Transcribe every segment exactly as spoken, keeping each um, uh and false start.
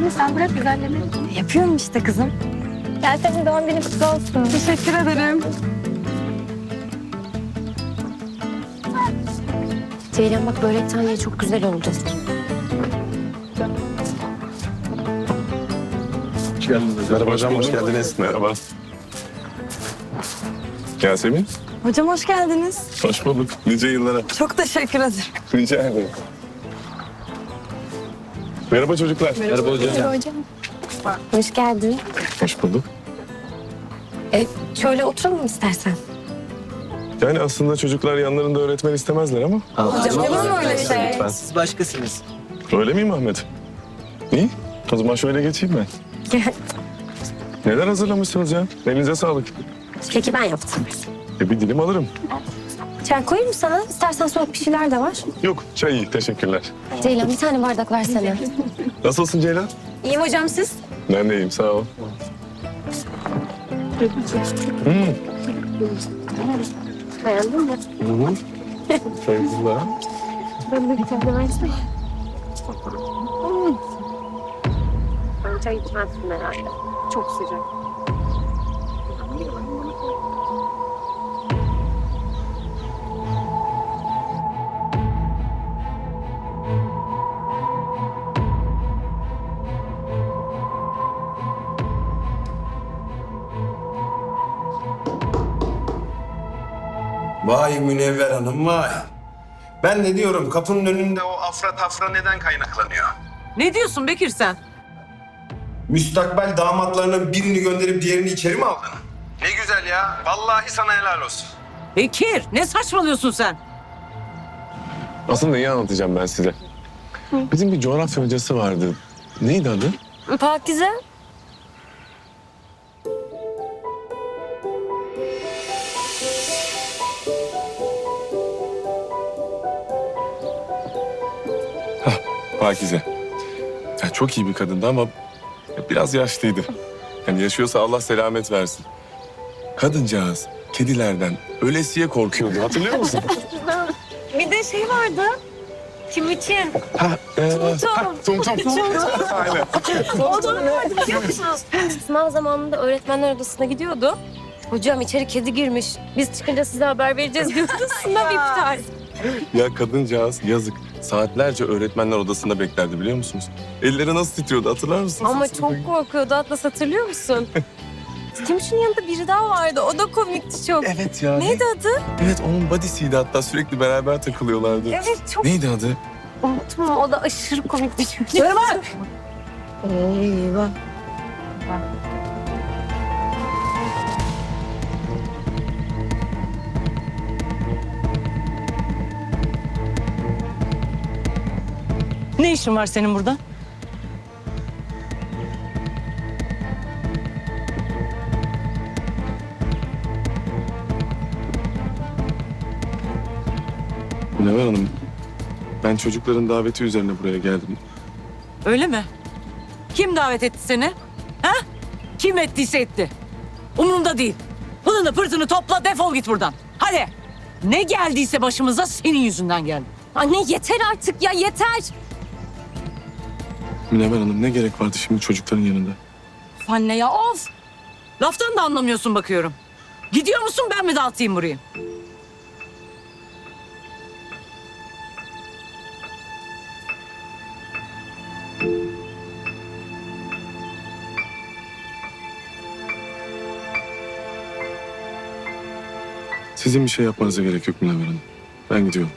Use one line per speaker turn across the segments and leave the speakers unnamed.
işini sen bırak güzelleme.
Yapıyorum işte kızım.
Gel senin doğum günün kutlu olsun.
Teşekkür ederim.
Ceylan bak börek taneye çok güzel oldu.
Hoş geldiniz. Merhaba hocam, hoş geldiniz. Merhaba. Yasemin,
Hocam hoş geldiniz.
hoş bulduk. Nice yıllara.
Çok teşekkür ederim.
Rica ederim. Merhaba çocuklar. Merhaba,
Merhaba hocam.
Hoş geldin.
Hoş bulduk.
E, şöyle oturalım istersen.
Yani aslında çocuklar yanlarında öğretmen istemezler ama.
Hocam olur mu öyle şey?
Siz başkasınız.
Öyle miyim Ahmet? İyi. O zaman şöyle geçeyim ben.
Gel.
Neler hazırlamışsınız ya? Elinize sağlık.
Keki ben yaptım.
E bir dilim alırım.
Çay koyayım mı sana? İstersen soğuk bir şeyler de var.
Yok, çay iyi. Teşekkürler.
Ceylan bir tane bardak versene.
Nasılsın Ceylan?
İyiyim hocam siz?
Ben de iyiyim, sağ ol. Hmm.
Beğendin mi?
Hı hı. Saygılar.
Ben de bir tane versene. Ben çay içmezsin herhalde. Çok sıcak.
Vay Münevver Hanım vay. Ben de diyorum kapının önünde o afra tafra neden kaynaklanıyor?
Ne diyorsun Bekir sen?
Müstakbel damatlarının birini gönderip diğerini içeri mi aldın? Ne güzel ya. Vallahi sana helal olsun.
Bekir ne saçmalıyorsun sen?
Aslında neyi anlatacağım ben size? Bizim bir coğrafya hocası vardı. Neydi adı?
Pakize.
Pakize. Ya çok iyi bir kadındı ama biraz yaşlıydı. Yani yaşıyorsa Allah selamet versin. Kadıncağız kedilerden ölesiye korkuyordu. Hatırlıyor musun?
Bir de şey vardı. Kim için?
ha, e, ha, tum tum. Aynen.
O da vardı biliyor musunuz? Sınav zamanında öğretmenler odasına gidiyordu. Hocam içeri kedi girmiş. Biz çıkınca size haber vereceğiz diyordu. Sınav iptal.
Ya kadıncağız yazık. Saatlerce öğretmenler odasında beklerdi biliyor musunuz? Elleri nasıl titriyordu hatırlar mısınız?
Ama çok korkuyordu Atlas hatırlıyor musun? Timuçin'in yanında biri daha vardı. O da komikti çok.
Evet ya.
Neydi adı?
Evet onun body'siydi hatta sürekli beraber takılıyorlardı.
Evet çok
Neydi adı?
unuttum. O da aşırı komikti çünkü.
Şöyle bak.
Eyvah.
Ne işin var senin burada?
Münevver Hanım, ben çocukların daveti üzerine buraya geldim.
Öyle mi? Kim davet etti seni? Ha? Kim ettiyse etti. Umurumda değil. Pılını pırtını topla defol git buradan. Hadi. Ne geldiyse başımıza senin yüzünden geldi.
Anne yeter artık ya yeter.
Münevver Hanım ne gerek vardı şimdi çocukların yanında?
Anne ya of. Laftan da anlamıyorsun bakıyorum. Gidiyor musun ben mi dağıtayım burayı?
Sizin bir şey yapmanıza gerek yok Münevver Hanım. Ben gidiyorum.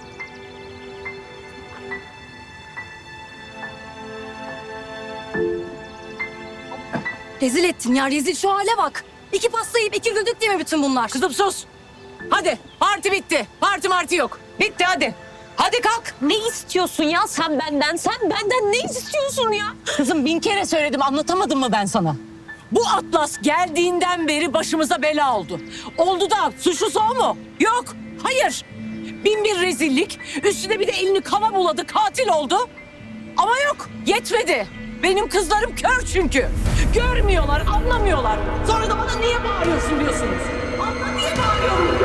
Rezil ettin ya rezil şu hale bak. İki pasta yiyip iki güldük değil mi bütün bunlar?
Kızım sus. Hadi parti bitti. Parti marti yok. Bitti hadi. Hadi kalk.
Ne istiyorsun ya sen benden? Sen benden ne istiyorsun ya?
Kızım bin kere söyledim anlatamadım mı ben sana? Bu Atlas geldiğinden beri başımıza bela oldu. Oldu da suçlusu o mu? Yok. Hayır. Bin bir rezillik. Üstüne bir de elini kana buladı. Katil oldu. Ama yok. Yetmedi. Benim kızlarım kör çünkü. Görmüyorlar, anlamıyorlar. Sonra da bana niye bağırıyorsun diyorsunuz. Anla niye bağırıyorum?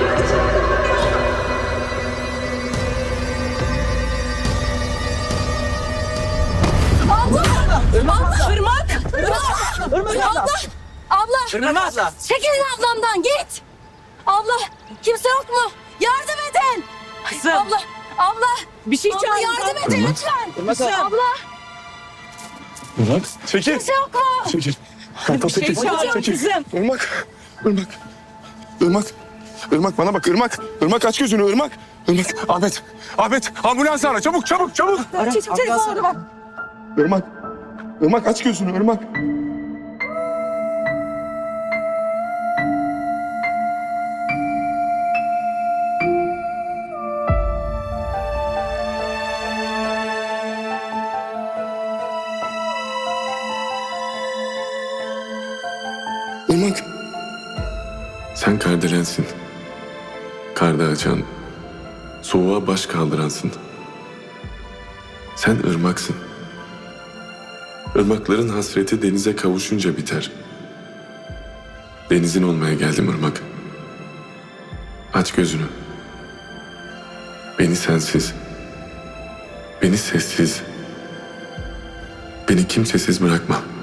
Allah! Allah! Abla! Abla!
Irmak abla.
Çekilin ablamdan git! Abla! Kimse yok mu? Yardım edin!
Kızım.
Abla! Abla!
Bir şey
Abla
çağır.
yardım edin lütfen! Abla!
Irmak çekil.
Kimse yok mu?
Çekil. Kartal
Bir şey
çekil.
çağır
Çekil.
kızım.
Irmak. Irmak. Irmak. Irmak bana bak Irmak. Irmak aç gözünü Irmak. Irmak. Ahmet. Ahmet ambulans ara çabuk çabuk çabuk.
Çek, çek, orada bak.
Irmak. Irmak aç gözünü Irmak. Irmak. Sen kardelensin. Karda açan, soğuğa baş kaldıransın. Sen ırmaksın. Irmakların hasreti denize kavuşunca biter. Denizin olmaya geldim ırmak. Aç gözünü. Beni sensiz, beni sessiz, beni kimsesiz bırakma.